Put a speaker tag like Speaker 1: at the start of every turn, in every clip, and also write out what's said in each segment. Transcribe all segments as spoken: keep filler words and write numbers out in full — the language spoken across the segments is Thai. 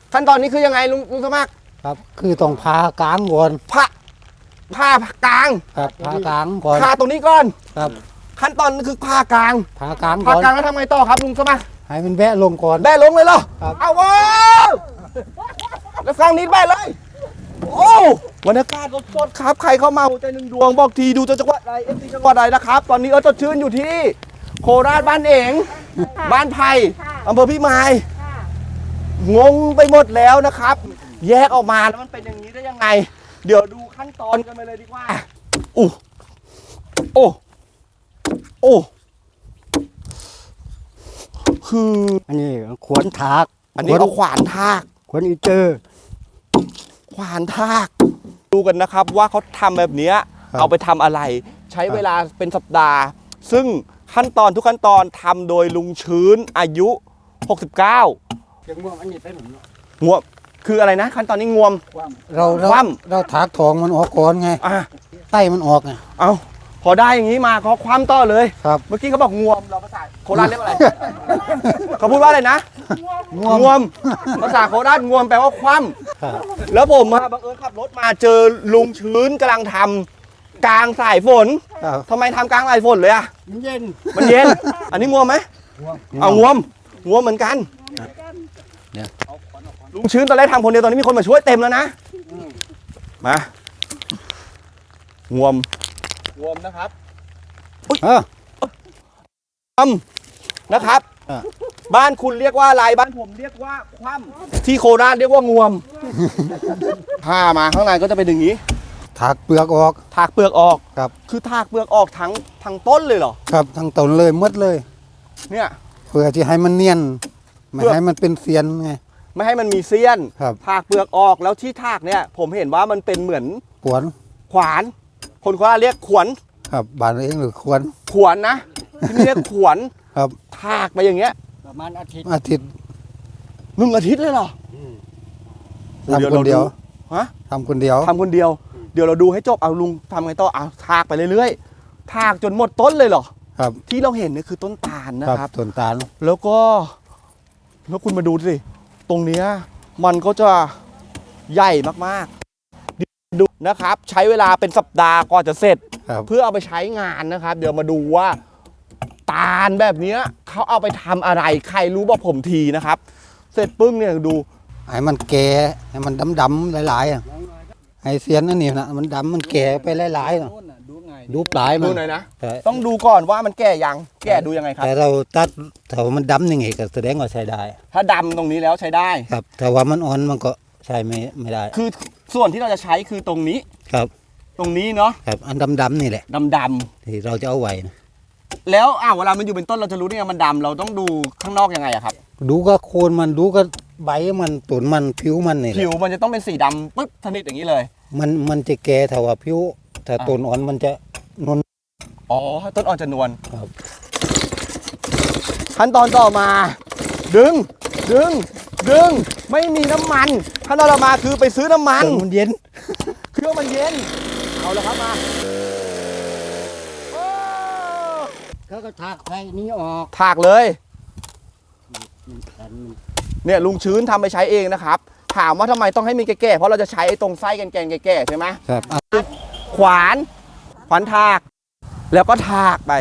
Speaker 1: ขั้นตอนนี้คือยังไงลุงลุงสมัคร
Speaker 2: ครับคือต้องพากลางก่อน
Speaker 1: ผ่าผ่ากลาง
Speaker 2: ครับพากลางก่อน
Speaker 1: ผ่าตรงนี้ก่อน
Speaker 2: ครับ
Speaker 1: ขั้นตอนนี้คือผ่ากลาง
Speaker 2: พากลางก่
Speaker 1: ผ่า
Speaker 2: อน
Speaker 1: กลางแล้วทำไงต่อครับลุงสมัคร
Speaker 2: ให้มันแวะลงก่อน
Speaker 1: แบะลงเลยเหรอ
Speaker 2: ครับ
Speaker 1: เอาว้าวแล้วฟังนี้แบะเลยโอ้บรรยากาศสดๆครับใครเข้ามาหัวใจหนึ่งดวงบอกทีดูจังหวัดใดเอฟซีจังหวัดใดนะครับตอนนี้เออสดชื่นอยู่ที่โคราชบ้านเองบ้านไผ่อำเภอพิมายงงไปหมดแล้วนะครับแยกออกมาแล้วมันเป็นอย่างนี้ได้ยังไงเดี๋ยวดูขั้นตอนกันไปเลยดีกว่าอู้โอ้โอ้คือ
Speaker 2: อันนี้ขวนถาก
Speaker 1: อันนี้เอาขวานทาก
Speaker 2: ขวนอีเจอ
Speaker 1: ขวานทากดูกันนะครับว่าเขาทำแบบนี้เอาไปทำอะไรใช้เวลาเป็นสัปดาห์ซึ่งขั้นตอนทุกขั้นตอนทำโดยลุงชื้นอายุหกสิบเก้า
Speaker 2: เสียงงวมอันนี้เป็นหนุ่ม
Speaker 1: งวมคืออะไรนะขั้นตอนนี้งวม
Speaker 2: เราเราเราถากทองมันออกก่อนไง
Speaker 1: อ่ะ
Speaker 2: ไส้มันออกไง
Speaker 1: เอาพอได้อย่างนี้มาเขาคว่ำต่อเลย
Speaker 2: ครับ
Speaker 1: เมื่อกี้เขาบอกงวมเราภาษาโคราชเรียกว่าอะไรเขาพูดว่าอะไรนะงวมภาษาโคราชงวมแปลว่าคว่ำแล้วผมมาบังเอิญขับรถมาเจอลุงชื้นกำลังทำกลางสายฝนทำไมทำกลางสายฝนเลยอ่ะ
Speaker 2: มันเย็น
Speaker 1: มันเย็นอันนี้งวมไหมเอางวมงวมเหมือนกันลุงชื้นตอนแรกทำคนเดียวตอนนี้มีคนมาช่วยเต็มแล้วนะมางวมงวมนะครับ
Speaker 2: เออ
Speaker 1: คว่ำนะครับบ้านคุณเรียกว่าอะไรบ้านผมเรียกว่าคว่ำที่โคราชเรียกว่างวมถ้ามาข้างในก็จะเป็นอย่างนี้
Speaker 2: ถากเปลือกออก
Speaker 1: ถากเปลือกออก
Speaker 2: ครับ
Speaker 1: คือถากเปลือกออกทั้งทั้งต้นเลยเหรอ
Speaker 2: ครับทั้งต้นเลยหมดเลย
Speaker 1: เนี่ย
Speaker 2: เพื่อที่ให้มันเนียนไม่ให้มันเป็นเสียนไง
Speaker 1: ไม่ให้มันมีเสี้ยน
Speaker 2: ครับ
Speaker 1: ถากเปลือกออกแล้วที่ถากเนี่ยผมเห็นว่ามันเป็นเหมือน
Speaker 2: ขวาน
Speaker 1: ขวานคนโคราชเรียกขวน
Speaker 2: ครับบ้านเองหรือขวาน
Speaker 1: ขวนนะที่นี่เรียกขวน
Speaker 2: ครับ
Speaker 1: ถากไปอย่างเงี้ย
Speaker 2: ประมาณอาทิตย์อาทิตย์
Speaker 1: หนึ่งอาทิตย์เลยเหรอ
Speaker 2: ทำคนเดียว
Speaker 1: ฮะ
Speaker 2: ทำคนเดียว
Speaker 1: ทำคนเดียวเดี๋ยวเราดูให้จบเอาลุงทำไงต่อเอาถากไปเรื่อยๆถากจนหมดต้นเลยเหรอ
Speaker 2: ครับ
Speaker 1: ที่เราเห็นนี่คือต้นตาลนะครับ
Speaker 2: ต้นตาล
Speaker 1: แล้วก็แล้วคุณมาดูสิตรงเนี้ยมันก็จะใหญ่มากๆดูนะครับใช้เวลาเป็นสัปดาห์ก่อนจะเสร็จเพื่อเอาไปใช้งานนะครับเดี๋ยวมาดูว่าตาลแบบนี้เขาเอาไปทำอะไรใครรู้บอกผมทีนะครับเสร็จปึ้งเนี่ยดู
Speaker 2: ให้มันแก่ให้มันดำๆหลายๆอ่ะให้เสียนนั่นนี่นะมันดำมันแก่ไปหลายๆนะดูปลายมัน
Speaker 1: ดูหน่อยนะต้องดูก่อนว่ามันแก่ยังแก่ดูยังไงครับ
Speaker 2: แต่เราตัดถ้ามันดำยังไงก็แสดงว่าใช้ได้
Speaker 1: ถ้าดำตรงนี้แล้วใช้ได้
Speaker 2: ครับแต่ว่ามันอ่อนมันก็ใช้ไม่ไม่ได้
Speaker 1: คือส่วนที่เราจะใช้คือตรงนี้
Speaker 2: ครับ
Speaker 1: ตรงนี้เนาะ
Speaker 2: ครับอันดำๆนี่แหละ
Speaker 1: ดำๆ
Speaker 2: ที่เราจะเอาไว้นะ
Speaker 1: แล้วอ้าวเวลามันอยู่เป็นต้นเราจะรู้ได้ไงมันดำเราต้องดูข้างนอกยังไงอะครับ
Speaker 2: ดูก็โคนมันดูก็ใบมันตุ่นมันผิวมันนี่
Speaker 1: ผิวมันจะต้องเป็นสีดำปึ๊บสนิทอย่างนี้เลย
Speaker 2: มันมันจะแก่ถ้าว่าผิวถ้าตุ่นอ่อนมันจะนวล
Speaker 1: อ๋อต้นอ่อนจะนวล
Speaker 2: ครับ
Speaker 1: ขั้นตอนต่อมาดึงดึงดึงไม่มีน้ำมันขั้นตอนต่อมาคือไปซื้อน้ำมัน
Speaker 2: มันเย็น
Speaker 1: เครื่องมันเย็นเอาแล้วครับมา
Speaker 2: เขาก็ถากไฟนี้ออก
Speaker 1: ถากเลยเนี่ยลุงชื้นทำไปใช้เองนะครับถามว่าทำไมต้องให้มีแก่ๆเพราะเราจะใช้ตรงไส้แกนๆแก่ๆใช่ไหม
Speaker 2: ครับ
Speaker 1: ขวานขวานถากแล้วก็ถากไป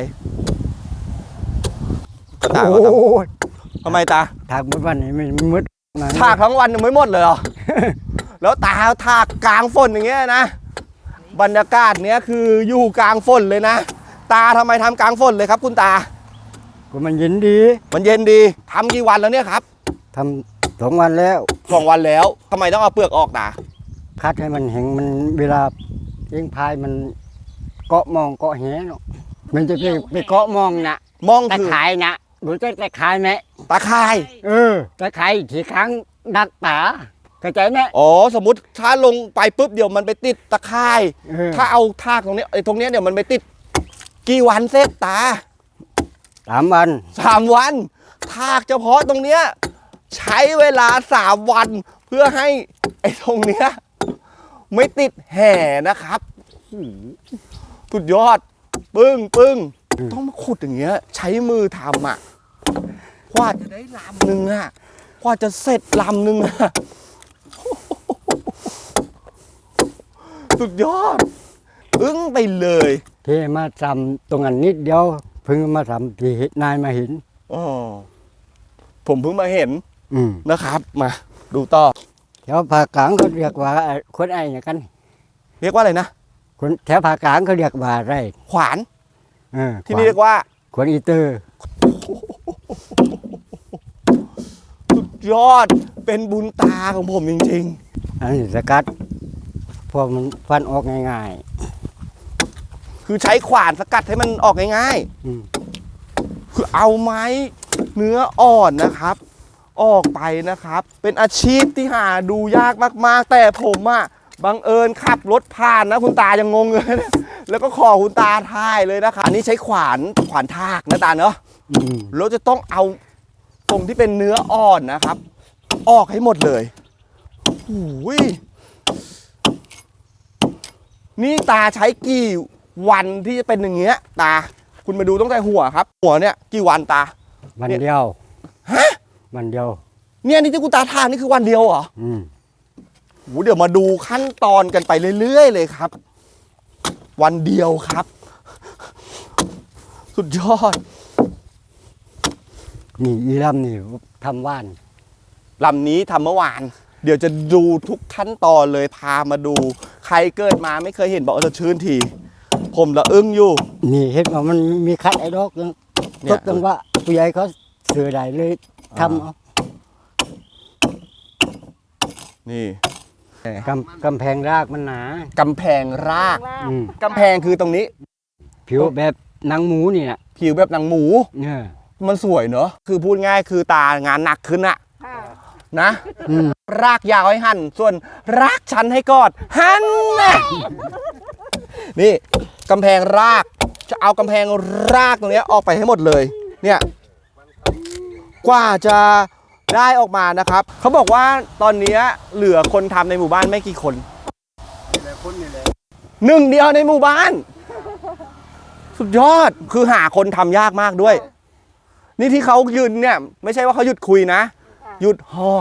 Speaker 1: ตาทำไมตา
Speaker 2: ถากมืดวันนี้ไม่มืด
Speaker 1: ถากทั้งวันยังไม่หมดเลยเหรอแล้วตาถากกลางฝนอย่างเงี้ยนะบรรยากาศเนี้ยคืออยู่กลางฝนเลยนะตาทำไมทำกลางฝนเลยครับคุณตา
Speaker 2: ก็มันเย็นดี
Speaker 1: มันเย็นดีทำกี่วันแล้วเนี่ยครับ
Speaker 2: ทำสองวันแล้ว
Speaker 1: สองวันแล้วทำไมต้องเอาเปลือกออกตา
Speaker 2: คัดให้มันแห้งมันเวลาเลี้ยงพายมันเกาะมองเกาะแหเนาะมันจะไปไปเกาะมองนะ
Speaker 1: มอง
Speaker 2: ตะข่ายนะรู้จักตะข่ายไหม
Speaker 1: ตะข่าย
Speaker 2: เออตะข่ายทีครั้งดักป่าเข้าใจไหม
Speaker 1: อ๋อสมมติถ้าลงไปปุ๊บเดี๋ยวมันไปติดตะข่ายถ้าเอาทากตรงนี้ไอ้ตรงนี้เดี๋ยวมันไปติดกี่วันเสร็จตา
Speaker 2: สามวัน
Speaker 1: สามวันทากเฉพาะตรงเนี้ยใช้เวลาสามวันเพื่อให้ไอ้ตรงเนี้ยไม่ติดแห่นะครับสุดยอดปึ้งปึ้งต้องมาขุดอย่างเงี้ยใช้มือทำอ่ะกว่าจะได้ลำหนึ่งอ่ะกว่าจะเสร็จลำหนึ่งนะสุดยอดอึ้งไปเลย
Speaker 3: ที่มาทำตรงนั้นนิดเดียวเพิ่งมาทำที่นายมาเห็น
Speaker 1: อ๋อผมเพิ่งมาเห็น
Speaker 3: อืม
Speaker 1: นะครับมาดูต่อ
Speaker 3: แถวภาคกลางเขาเรียกว่าคนไอ้เนี่ยกัน
Speaker 1: เรียกว่าอะไรนะ
Speaker 3: คนแถวภาคกลางเขาเรียกว่าไร
Speaker 1: ขวาน
Speaker 3: เออ
Speaker 1: ที่นี่เรียกว่า
Speaker 3: ขวานอีเตอร์
Speaker 1: สุดยอดเป็นบุญตาของผมจริง
Speaker 3: อันนี้สกัดพวกมันฟันออกง่าย
Speaker 1: ๆ คือใช้ขวานสกัดให้มันออกง่าย
Speaker 3: ๆอืม
Speaker 1: ๆ คือเอาไม้เนื้ออ่อนนะครับ ออกไปนะครับ เป็นอาชีพที่หาดูยากมากๆ แต่ผมอะบังเอิญขับรถผ่านนะคุณตายังงงเลยนะแล้วก็ขอคุณตาถ่ายเลยนะครับอันนี้ใช้ขวานขวานทากนะตาเนาะ
Speaker 3: อืม
Speaker 1: เราจะต้องเอาตรงที่เป็นเนื้ออ่อนนะครับ ออกให้หมดเลยโอ้ยนี่ตาใช้กี่วันที่จะเป็นอย่างเงี้ยตา คุณมาดูตั้งแต่หัวครับ หัวเนี่ยกี่วันตา
Speaker 3: วันเดียว
Speaker 1: ฮะ
Speaker 3: วันเดียว
Speaker 1: เนี่ยนี่ที่คุณตาทานนี่คือวันเดียวเหรอ
Speaker 3: อืม
Speaker 1: โหเดี๋ยวมาดูขั้นตอนกันไปเรื่อยๆเลยครับ วันเดียวครับ สุดยอด
Speaker 3: นี่อีลำนี่ทำว่าน
Speaker 1: ลำนี้ทำเมื่อวาน เดี๋ยวจะดูทุกขั้นตอนเลยพามาดู ใครเกิดมาไม่เคยเห็นบอกว่าจะชื่นที ผมละอึ้งอยู่
Speaker 3: นี่เห็นว่ามันมีคัดไอ้ดอกนึง
Speaker 1: เนี่
Speaker 3: ต
Speaker 1: ย
Speaker 3: กตรงว่าผู้ใหญ่เขาเสือใดเลยทำเอา
Speaker 1: นี่
Speaker 3: กำกำแพงรากมันหนาก
Speaker 1: ำแพงราก
Speaker 3: อืม
Speaker 1: กำแพงคือตรงนี้
Speaker 3: ผิวแบบหนังหมูนี่นะ
Speaker 1: ผิวแบบหนังหมู
Speaker 3: เนี่ย
Speaker 1: มันสวยเนอะคือพูดง่ายคือตางานหนักขึ้นอะนะ
Speaker 3: อืม
Speaker 1: รากยาวให้หั่น ส่วนรากชันให้กอด หั่นนะนี่กำแพงราก จะเอากำแพงรากตรงเนี้ยออกไปให้หมดเลย เนี่ยกว่าจะได้ออกมานะครับ เขาบอกว่าตอนนี้เหลือคนทำในหมู่บ้านไม่กี่คนหนึ่งเดียวในหมู่บ้าน สุดยอดคือหาคนทำยากมากด้วย นี่ที่เขายืนเนี่ยไม่ใช่ว่าเขาหยุดคุยนะ หยุดหอบ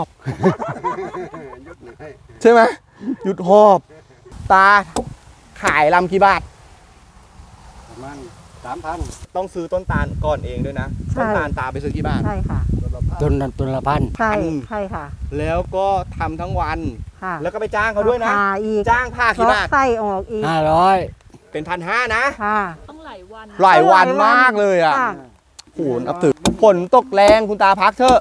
Speaker 1: ใช่ไหมหยุดหอบ ตาขายลำกี่บาท
Speaker 3: ประมาณสามพัน
Speaker 1: ต้องซื้อต้นตาลก่อนเองด้วยนะ
Speaker 4: ใช่
Speaker 1: ต้นตาลตาไปซื้อกี่บาท
Speaker 4: ใช่ค่ะ
Speaker 3: ต้นละต้นละพัน
Speaker 4: ใช่
Speaker 1: อืม
Speaker 4: ใช่ค่ะ
Speaker 1: แล้วก็ทำทั้งวัน
Speaker 4: ค่ะ
Speaker 1: แล้วก็ไปจ้างเขาด้วยนะ
Speaker 4: ผ่าอีก
Speaker 1: จ้างผ้ากี่
Speaker 4: เลาะ
Speaker 1: บาท
Speaker 4: ไส้ออกอีก
Speaker 3: ห้าร้อย
Speaker 1: เป็นพันห้านะ
Speaker 4: ค่ะ
Speaker 5: ต้องหลายวัน
Speaker 1: หลายวันมากเลยอ่ะ
Speaker 4: ค่ะ
Speaker 1: โหนับถือฝนตกแรงคุณตาพักเถอะ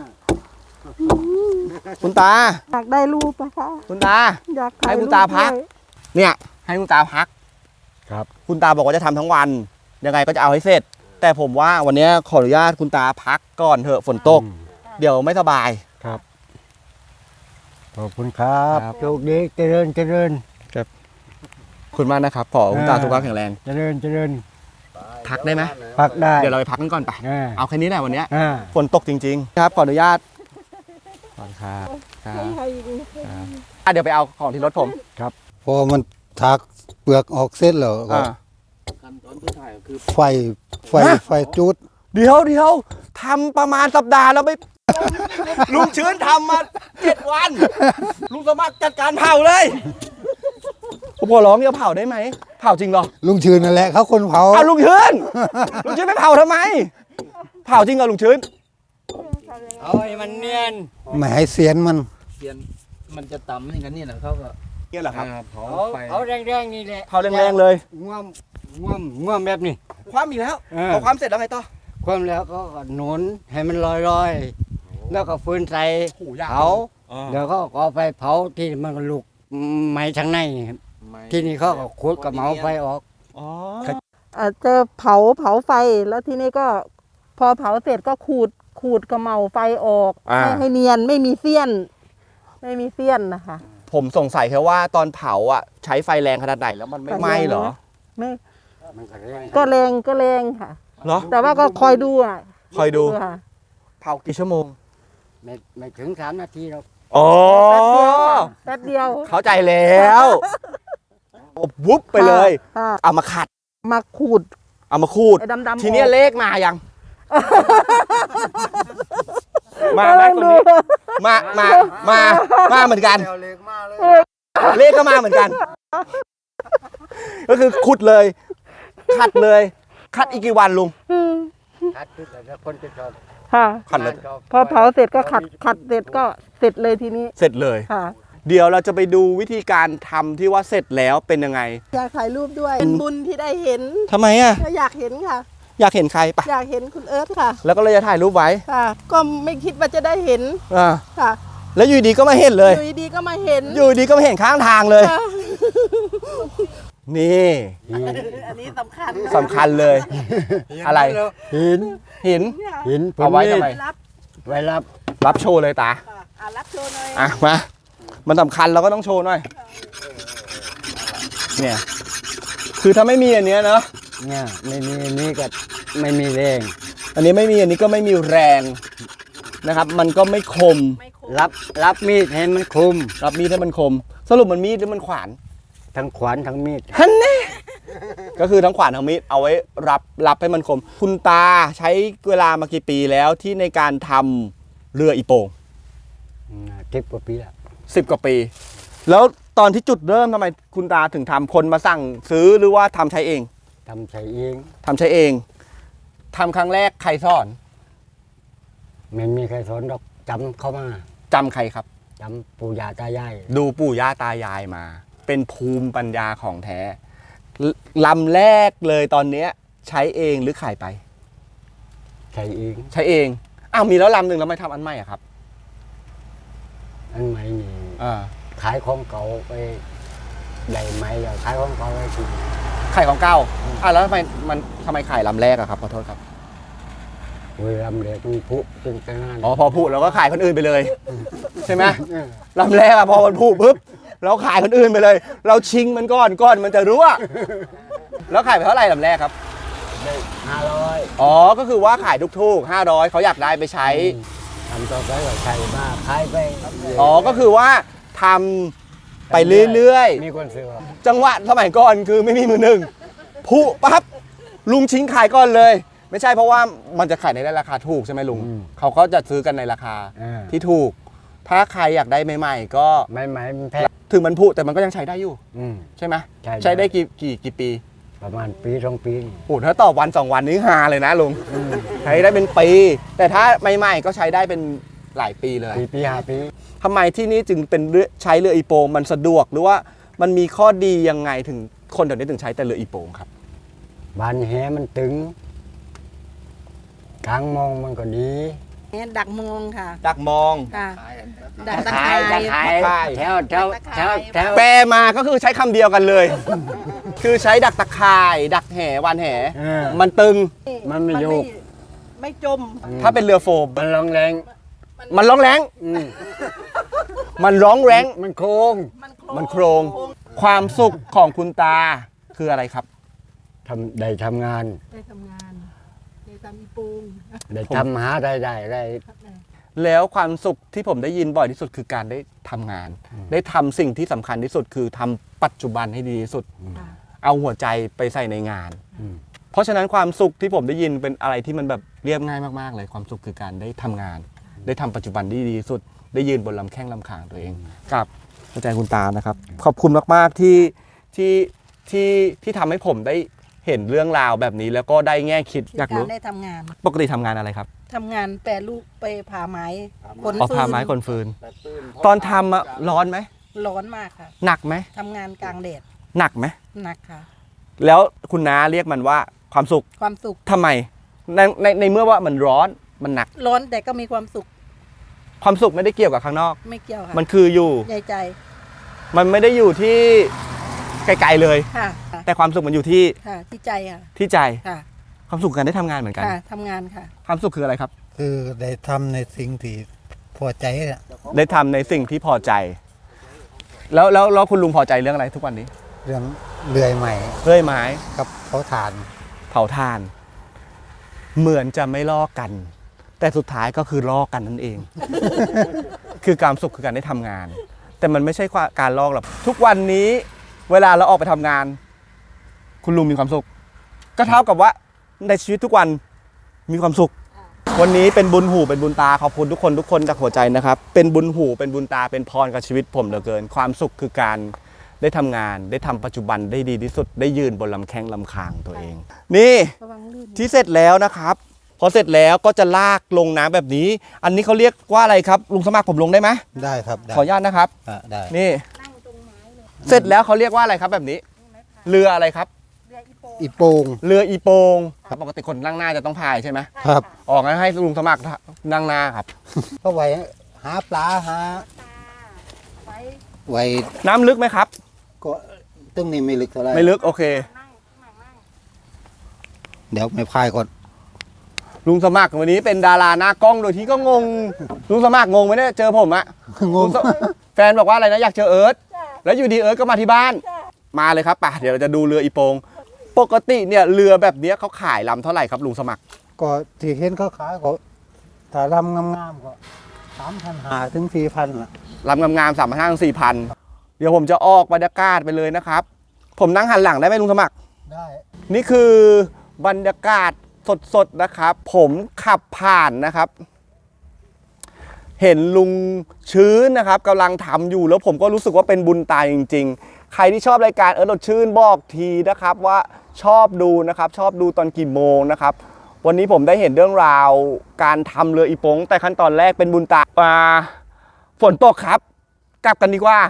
Speaker 1: คุณตา
Speaker 4: อยากได้รูปนะคะ
Speaker 1: คุณตา
Speaker 4: อยากถ่ย
Speaker 1: ให้คุณตาพัก
Speaker 4: รูปด้วย
Speaker 1: เนี่ยให้คุณตาพัก
Speaker 3: ครับ
Speaker 1: คุณตาบอกว่าจะทำทั้งวัน ยังไงก็จะเอาให้เสร็จ แต่ผมว่าวันนี้ขออนุญาตคุณตาพักก่อนเถอะฝนตก
Speaker 3: อืม
Speaker 1: เดี๋ยวไม่สบาย
Speaker 3: ครับขอบคุณครับ
Speaker 1: ครับ
Speaker 3: โชคดีเจริญเจริญ
Speaker 1: ขอบคุณมากนะครับขอคุณตาสุขภาพแข็งแรง
Speaker 3: เจริญเจริญ
Speaker 1: พักได้ไหม
Speaker 3: พักได้
Speaker 1: เดี๋ยวเราไปพักกันก่อนไป
Speaker 3: อ่า
Speaker 1: เอาแค่นี้แหละวันเนี้ย
Speaker 3: อ่า
Speaker 1: ฝนตกจริงๆ ครับขออนุญาตขอบคุณครับครับครับอ่ะเดี๋ยวไปเอาของที่รถผม
Speaker 2: พอมันถักเปลือกออกเส้นแล้วก็
Speaker 1: อ่า
Speaker 2: ไฟไฟไฟจุด
Speaker 1: เดี๋ยวเดี๋ยวทำประมาณสัปดาห์แล้วไม่ ลุงชื้นทำมาเจ็ดวัน ลุงสมัครจัดการเผาเลยผมขอร้องอย่าเผาได้ไหมเผาจริงเหรอ
Speaker 2: ลุงชื่นนั่นแหละเขาคนเผา
Speaker 1: เอาลุงชื้นลุงชื้นไม่เผาทำไมเผาจริงเหรอลุงชื้น
Speaker 3: เอาให้มันเนียน
Speaker 2: ไม่ให้เสียนมัน
Speaker 6: เสียนมันจะต่ำอย่างนั้นนี่แหละเขาก็
Speaker 1: เนี่ยเหรอครับ
Speaker 6: อ่าเผา
Speaker 3: เอา
Speaker 6: ไฟ
Speaker 3: เอาแรงๆนี่แหละ
Speaker 1: เผาแรงๆเลย
Speaker 3: ง่วมง่วมง่วมแบบนี้
Speaker 1: ความอีกแล้ว
Speaker 3: เออ
Speaker 1: พอความเสร็จแล้วไงต่อ
Speaker 3: ความแล้วก็หนุนให้มันลอยๆ แล้วก็ฟืนใส่
Speaker 1: โอ้โหยาว
Speaker 3: เผา
Speaker 1: อ๋อ
Speaker 3: เดี๋ยวก็เอาไปเผาที่มันก็ลุกไหม้ทางในครับที่นี่เขาก็ขุดกับเหมาไฟออก
Speaker 1: อ๋อ
Speaker 4: อาจจะเผาเผาไฟแล้วทีนี้ก็พอเผาเสร็จก็ขูดขูดกระเหมาไฟออก
Speaker 1: อ่า
Speaker 4: ให้ให้เนียนไม่มีเสี้ยน ไม่มีเสี้ยนนะคะ
Speaker 1: ผมสงสัยแค่ว่าตอนเผาอ่ะใช้ไฟแรงขนาดไหนแล้วมันไม่ไหม้เหรอ
Speaker 4: ไม่
Speaker 3: มันก็แรง
Speaker 4: ก็แรงก็แรงค่ะ
Speaker 1: เหรอ
Speaker 4: แต่ว่าก็คอยดูอ่ะ
Speaker 1: คอยดู
Speaker 4: ค่ะ
Speaker 1: เผากี่ชั่วโมง
Speaker 3: ไม่ไม่ถึงสามนาทีหรอก
Speaker 1: อ๋อ
Speaker 4: แป๊บเดียวค่ะแป๊บเดียว
Speaker 1: เข้าใจแล้ววุบไปเลย
Speaker 4: ค่ะ
Speaker 1: เอามาขัด
Speaker 4: มาขูด
Speaker 1: เอามาคูด
Speaker 4: ไอ้ดำๆ
Speaker 1: ทีเนี้ย
Speaker 4: ออก
Speaker 1: เลขมายังมาไหมคนนี้มามามามาเหมือนกันเลขก็มาเหมือนกัน ก็คือขุดเลยขัดเลยขัดอีกกี่วันลุง
Speaker 3: คัดที่แต่คนจะชอบ
Speaker 4: ค่ะ
Speaker 1: ขัดเลย
Speaker 4: พอเผาเสร็จก็ขัดขัดเสร็จก็เสร็จเลยทีนี้
Speaker 1: เสร็จเลย
Speaker 4: ค่ะ
Speaker 1: เดี๋ยวเราจะไปดูวิธีการทำที่ว่าเสร็จแล้วเป็นยังไง
Speaker 4: อยากถ่ายรูปด้วยเป็นบุญที่ได้เห็น
Speaker 1: ทำไมอ่ะ
Speaker 4: ก็อยากเห็นค่ะ
Speaker 1: อยากเห็นใครปะ
Speaker 4: อยากเห็นคุณเอิร์ธค่ะ
Speaker 1: แล้วก็เลยจะถ่ายรูปไว้
Speaker 4: ค่ะ ก็ไม่คิดว่าจะได้เห็น
Speaker 1: อ่า
Speaker 4: ค่ะ
Speaker 1: แล้วอยู่ดีก็มาเห็นเลย
Speaker 4: อยู่ดีๆก็มาเห็น
Speaker 1: อยู่ดีก็มาเห็นข้างทางเลย
Speaker 4: ค่ะ
Speaker 1: นี่
Speaker 4: อันนี้สำคัญ
Speaker 1: สำคัญเลย อะไร
Speaker 3: หิน
Speaker 1: หิน
Speaker 3: หิน
Speaker 1: เอาไว้ทำไม
Speaker 4: รับ
Speaker 3: ไว้รับ
Speaker 1: รับโชว์เลยตา
Speaker 4: ค่ะอ่ะรับโชว์หน่อย
Speaker 1: อ่ะมา มันสำคัญเราก็ต้องโชว์หน่อย เนี่ย คือถ้าไม่มีอันเนี้ยเนาะ
Speaker 3: เนี่ยไม่มีนี่ก็ไม่มีแรง
Speaker 1: อันนี้ไม่มีอันนี้ก็ไม่มีแรงนะครับ มันก็ไม่คม
Speaker 4: ไม่คม
Speaker 3: รับรับมีดให้มันคม
Speaker 1: รับมีดให้มันคม สรุปมันมีดหรือมันขวาน
Speaker 3: ทั้งขวานทั้งมีด
Speaker 1: ฮันนี่ก็คือทั้งขวานทั้งมีดเอาไว้รับรับให้มันคม คุณตาใช้เวลามากี่ปีแล้วที่ในการทำเรืออีโป่ง
Speaker 3: ทิพกว่าปีละ
Speaker 1: สิบกว่าปี แล้วตอนที่จุดเริ่มทำไมคุณตาถึงทำคนมาสั่งซื้อหรือว่าทำใช้เอง
Speaker 3: ทำใช้เอง
Speaker 1: ทำใช้เองทำครั้งแรกใครสอน
Speaker 3: ไม่มีใครสอนดอกจำเข้ามา
Speaker 1: จำใครครับ
Speaker 3: จำปู่ย่าตายาย
Speaker 1: ดูปู่ย่าตายายมา เป็นภูมิปัญญาของแท้ลลำแรกเลยตอนเนี้ยใช้เองหรือขายไป
Speaker 3: ใช้เอง
Speaker 1: ใช้เองอ้าวมีแล้วลำหนึ่งแล้วไม่ทำอันใหม่อะครับ
Speaker 3: อันใหม่นี่
Speaker 1: อ่า
Speaker 3: ขายของเก่าไปได้ไหมแล้วขายของเก่าไปกิน
Speaker 1: ขายของเก่าอ่ะแล้วทำไมมันทำไมขายลำแรกอะครับขอโทษครับ
Speaker 3: เวลาเด็กมันพุจึงจะงาน
Speaker 1: อ๋อพอพูดเราก็ขายคนอื่นไปเลย ใช่ไหมลำแรกอะพอมันพูดปุ๊บเราขายคนอื่นไปเลย เราชิงมันก่อนก่อนมันจะรู้อะแล้วขายไปเท่าไหร่ลำแรกครับ
Speaker 3: ได้ห้าร้อย
Speaker 1: อ๋อก็คือว่าขายทุกๆห้าร้อยเขาอยากได้ไปใช้
Speaker 3: ทำต่อไปก็ใช้มาขายไป
Speaker 1: อ๋อก็คือว่าทำไปเรื่อย
Speaker 3: มีคนซื้อ
Speaker 1: ๆจังหวะสมัยก่อนคือไม่มีมือหนึ่งพูปั๊บลุงชิงขายก่อนเลย ไม่ใช่เพราะว่ามันจะขายในราคาถูกใช่ไหมลุงเขาก็จะซื้อกันในราคา
Speaker 3: อ่า
Speaker 1: ที่ถูก ถ้าใครอยากได้ใหม่ๆก็
Speaker 3: ไม่ไหมมันแพง
Speaker 1: ถึงมันผุแต่มันก็ยังใช้ได้อยู่
Speaker 3: อืม
Speaker 1: ใช่ไหม
Speaker 3: ใช่
Speaker 1: ใช้ได้กี่กี่กี่ปี
Speaker 3: ประมาณปีสองปีนี่
Speaker 1: โอ้ถ้าต่อวันสองวันนี้ฮาเลยนะลุงใช้ได้เป็นปี แต่ถ้าใหม่ๆก็ใช้ได้เป็นหลายปีเลย
Speaker 3: ปีปีห้าปี
Speaker 1: ทำไมที่นี่จึงเป็นเรือใช้เรืออีโปงมันสะดวกหรือว่ามันมีข้อดียังไงถึงคนแถวนี้ถึงใช้แต่เรืออีโปงครับ
Speaker 3: บานแหมันตึงกลางมองมันก็ดี
Speaker 4: เนี่ยดักมองค่ะ
Speaker 1: ดักมอง
Speaker 4: ค่ะ ดักตะ
Speaker 3: ขา
Speaker 4: ไคร้
Speaker 3: ยตะไคร้
Speaker 1: ตะไคร้
Speaker 3: แถวแถวแถวแถว
Speaker 1: แปลมาก็คือใช้คำเดียวกันเลย คือใช้ดักตะข่าย ดักแห่วานแห่
Speaker 3: เออ
Speaker 1: มันตึง
Speaker 3: มันไม่โยก
Speaker 4: ไม่จม
Speaker 1: ถ้าเป็นเรือโฟม
Speaker 3: มันลองแรง
Speaker 1: มันร้องแรง
Speaker 3: อืม
Speaker 1: มันร้องแรง
Speaker 3: มันโค้ง
Speaker 1: มันโครง ความสุขของคุณตาคืออะไรครับ
Speaker 3: ทำได้ทำงาน
Speaker 4: ได้ทำงานได้ทำอีปู
Speaker 3: ได้ทำหาได้ได้ได้
Speaker 1: แล้วความสุขที่ผมได้ยินบ่อยที่สุดคือการได้ทำงาน ได้ทำสิ่งที่สำคัญที่สุดคือทำปัจจุบันให้ดีที่สุด เอาหัวใจไปใส่ในงาน
Speaker 3: อืม
Speaker 1: เพราะฉะนั้นความสุขที่ผมได้ยินเป็นอะไรที่มันแบบเรียบง่ายมากๆเลย ความสุขคือการได้ทำงาน ได้ทำปัจจุบันที่ดีที่สุด ได้ยืนบนลำแข้งลำขางตัวเองกับอาจารย์คุณตานะครับ ขอบคุณมากๆที่ที่ที่ที่ทำให้ผมได้เห็นเรื่องราวแบบนี้แล้วก็ได้แง่คิดอยาก
Speaker 4: การ
Speaker 1: รู้
Speaker 4: ได้ทำงาน
Speaker 1: ปกติทำงานอะไรครับ
Speaker 4: ทำงานแปรรูปไปผ่าไม้ขน
Speaker 1: อ๋อ
Speaker 4: ฟืน
Speaker 1: พาไม้คนฟืน ตอนทำอะร้อนไหม
Speaker 4: ร้อนมากค่ะ
Speaker 1: หนักไหม
Speaker 4: ทำงานกลางแดด
Speaker 1: หนักไหม
Speaker 4: หนักค่ะ
Speaker 1: แล้วคุณน้าเรียกมันว่าความสุข
Speaker 4: ความสุข
Speaker 1: ทำไมในในในเมื่อว่ามันร้อนมันหนัก
Speaker 4: ร้อนแต่ก็มีความสุข
Speaker 1: ความสุขไม่ได้เกี่ยวกับข้างนอก
Speaker 4: ไม่เกี่ยวค่ะ
Speaker 1: มันคืออยู่
Speaker 4: ใจใจ
Speaker 1: มันไม่ได้อยู่ที่ไกลๆเลย
Speaker 4: ค่ะค่ะ
Speaker 1: แต่ความสุขมันอยู่ที่
Speaker 4: ค่ะที่ใจค่ะ
Speaker 1: ที่ใจ
Speaker 4: ค่ะ
Speaker 1: ความสุขการได้ทำงานเหมือนกัน
Speaker 4: ค่ะทำงานค่ะ
Speaker 1: ความสุขคืออะไรครับ
Speaker 2: คือได้ทำในสิ่งที่พอใจน่ะ
Speaker 1: ได้ทำในสิ่งที่พอใจ แล้วแล้วแล้วคุณลุงพอใจเรื่องอะไรทุกวันนี้
Speaker 2: เรื่องเลื่อยใหม่
Speaker 1: เรื่อยไม้
Speaker 2: กับเขาฐาน
Speaker 1: เผาถ่าน เหมือนจะไม่ลอกกัน แต่สุดท้ายก็คือลอกกันนั่นเอง คือความสุขคือการได้ทำงาน แต่มันไม่ใช่การลอกหรอกทุกวันนี้ เวลาเราออกไปทำงาน คุณลุงมีความสุข ก็เท่ากับว่าในชีวิตทุกวันมีความสุขวันนี้เป็นบุญหูเป็นบุญตาขอบคุณทุกคนทุกคนจากหัวใจนะครับเป็นบุญหูเป็นบุญตาเป็นพรกับชีวิตผมเหลือเกินความสุขคือการได้ทำงานได้ทำปัจจุบันได้ดีที่สุดได้ยืนบนลำแข้งลำคางตัวเอง นี่
Speaker 4: ระวังลื่น
Speaker 1: ที่เสร็จแล้วนะครับพอเสร็จแล้วก็จะลากลงน้ำแบบนี้ อันนี้เขาเรียกว่าอะไรครับลุงสมัครผมลงได้ไหม
Speaker 2: ได้ครับได้
Speaker 1: ขออนุญาตนะครับ
Speaker 2: อ่ะได้
Speaker 1: นี่เสร็จแล้วเขาเรียกว่าอะไรครับแบบนี้ เรืออะไรครับ
Speaker 2: อีโปง
Speaker 1: เรืออีโปงครับปกติคนนั่งหน้าจะต้องพายใช่ไหม
Speaker 2: ครับ
Speaker 1: ออกงั้นให้ลุงสมัครนั่งหน้าครับ
Speaker 2: ก็ไว้หาปลาหาไว้
Speaker 1: น้ำลึกไหมครับ
Speaker 2: ก็ตึ้งนี่ไม่ลึกเท่าไหร่
Speaker 1: ไม่ลึกโอเค
Speaker 2: เดี๋ยวไม่พายก่อน
Speaker 1: ลุงสมัครวันนี้เป็นดาราหน้ากล้องโดยที่ก็งง ลุงสมัครงงไหมเนี่ยเจอผมอะ
Speaker 2: ง
Speaker 1: ลุ
Speaker 2: ง
Speaker 1: งสแฟนบอกว่าอะไรนะอยากเจอเอิร์ธแล้วอยู่ดีเอิร์ธก็มาที่บ้าน มาเลยครับป่ะเดี๋ยวเราจะดูเรืออีโปงปกติเนี่ยเรือแบบเนี้ยเขาขายลำเท่าไหร่ครับลุงสมัคร
Speaker 2: ก็ที่เห็นเขาขายก็ถ้าลำงามๆก็สามพันหาถึงสี่พันละ
Speaker 1: ลำงามๆสามพันห้าสี่พันเดี๋ยวผมจะออกบรรยากาศไปเลยนะครับ ผมนั่งหันหลังได้ไหมลุงสมัคร
Speaker 2: ได้
Speaker 1: นี่คือบรรยากาศสดๆนะครับ ผมขับผ่านนะครับ เห็นลุงชื้นนะครับกำลังทำอยู่แล้วผมก็รู้สึกว่าเป็นบุญตาจริงๆ ใครที่ชอบรายการเออรถชื่นบอกทีนะครับว่าชอบดูนะครับ ชอบดูตอนกี่โมงนะครับ วันนี้ผมได้เห็นเรื่องราวการทำเรืออีโปงแต่ขั้นตอนแรกเป็นบุญตาอ่าฝนตกครับ กลับกันดีกว่า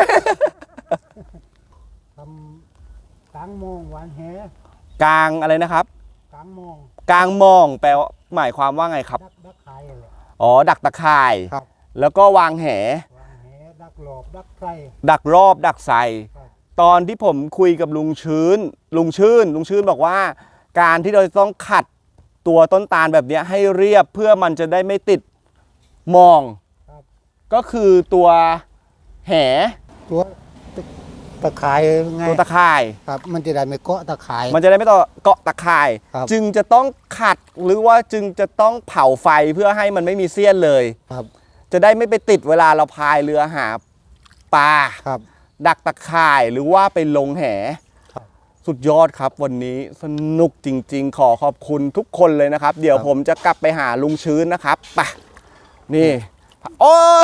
Speaker 2: ทำกลางโมงหวานแห
Speaker 1: กลางอะไรนะครับ
Speaker 2: กลางโมง
Speaker 1: กลางมองแปลว่าหมายความว่าไงครับ
Speaker 2: ดักดักไข่เลย
Speaker 1: อ๋อดักตะข่าย
Speaker 2: ครับ
Speaker 1: แล้วก็วางแห
Speaker 2: วางแหดักหลอบดักไข่
Speaker 1: ดักรอบดักใส่
Speaker 2: ครับ
Speaker 1: ตอนที่ผมคุยกับลุงชื้น ลุงชื่น ลุงชื่นบอกว่า การที่เราต้องขัดตัวต้นตาลแบบเนี้ยให้เรียบเพื่อมันจะได้ไม่ติดมอง ก็คือตัวแห
Speaker 2: ตัวตะข่ายไง
Speaker 1: ตัวตะข่าย
Speaker 2: ครับ มันจะได้ไม่เกาะตะข่าย
Speaker 1: มันจะได้ไม่ต้องเกาะตะข่าย
Speaker 2: ครับ
Speaker 1: จึงจะต้องขัดหรือว่าจึงจะต้องเผาไฟเพื่อให้มันไม่มีเสี้ยนเลย
Speaker 2: ครับ
Speaker 1: จะได้ไม่ไปติดเวลาเราพายเรือหาปลา
Speaker 2: ครับ
Speaker 1: ดักตะข่ายหรือว่าไปลงแห
Speaker 2: ครับ
Speaker 1: สุดยอดครับวันนี้สนุกจริงๆ ขอขอบคุณทุกคนเลยนะครับ เดี๋ยวผมจะกลับไปหาลุงชื้นนะครับไปนี่ โอ้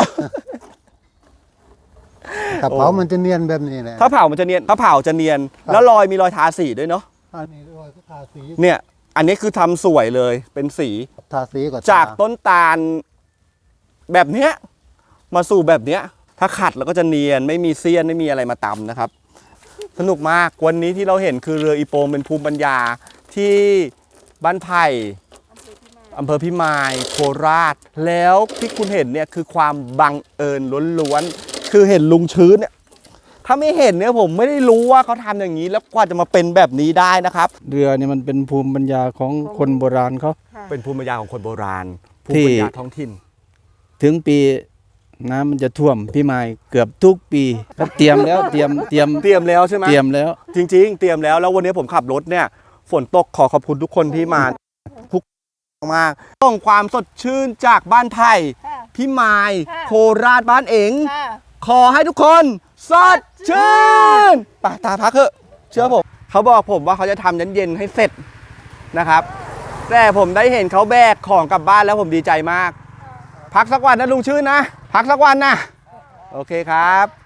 Speaker 2: กับเผามันจะเนียนแบบนี้แหละ
Speaker 1: ถ้าเผามันจะเนียนถ้าเผาจะเนียน
Speaker 2: ครับ
Speaker 1: แล้วรอยมีรอยทาสีด้วยเนาะ
Speaker 2: อันนี้รอยก็ทาสี
Speaker 1: เนี่ย อันนี้คือทำสวยเลยเป็นสี
Speaker 2: ทาสีก็ท
Speaker 1: จากต้นตาลแบบเนี้ยมาสู่แบบเนี้ย ถ้าขัดแล้วก็จะเนียนไม่มีเสี้ยนไม่มีอะไรมาตำนะครับ สนุกมากวันนี้ที่เราเห็นคือเรืออีโปงเป็นภูมิปัญญาที่บ้านไผ่อำเภอพิมายโคราช แล้วที่คุณเห็นเนี่ยคือความบังเอิญล้วนๆคือเห็นลุงชื้นเนี่ยถ้าไม่เห็นเนี่ยผมไม่ได้รู้ว่าเขาทำอย่างนี้แล้วกว่าจะมาเป็นแบบนี้ได้นะครับ
Speaker 5: เรือเนี่ยมันเป็นภูมิปัญญาของคนโบราณเขา
Speaker 1: เป็นภูมิปัญญาของคนโบราณภู
Speaker 5: ที่
Speaker 1: มิปัญญาท้องถิ่น
Speaker 5: ถึงปีน้ำมันจะท่วมพี่มายเกือบทุกปีก็เตรียมแล้วเตรียมเตรียม
Speaker 1: เตรียมแล้วใช่ไหม
Speaker 5: เตรียมแล้ว
Speaker 1: จริงๆ เตรียมแล้วแล้ววันนี้ผมขับรถเนี่ยฝนตกขอขอบคุณทุกคนที่มาทุกมากต้องความสดชื่นจากบ้านไผ่พี่มาย
Speaker 4: ค่ะ
Speaker 1: โคราชบ้านเอ๋ง
Speaker 4: ค่ะ
Speaker 1: ขอให้ทุกคนสดชื่นไปตาพักเถอะเชื่อผมเขาบอกผมว่าเขาจะทำเย็นๆให้เสร็จนะครับ แต่ผมได้เห็นเขาแบกของกลับบ้านแล้วผมดีใจมาก พักสักวันนะลุงชื่นนะ พักสักวันนะ โอเคครับ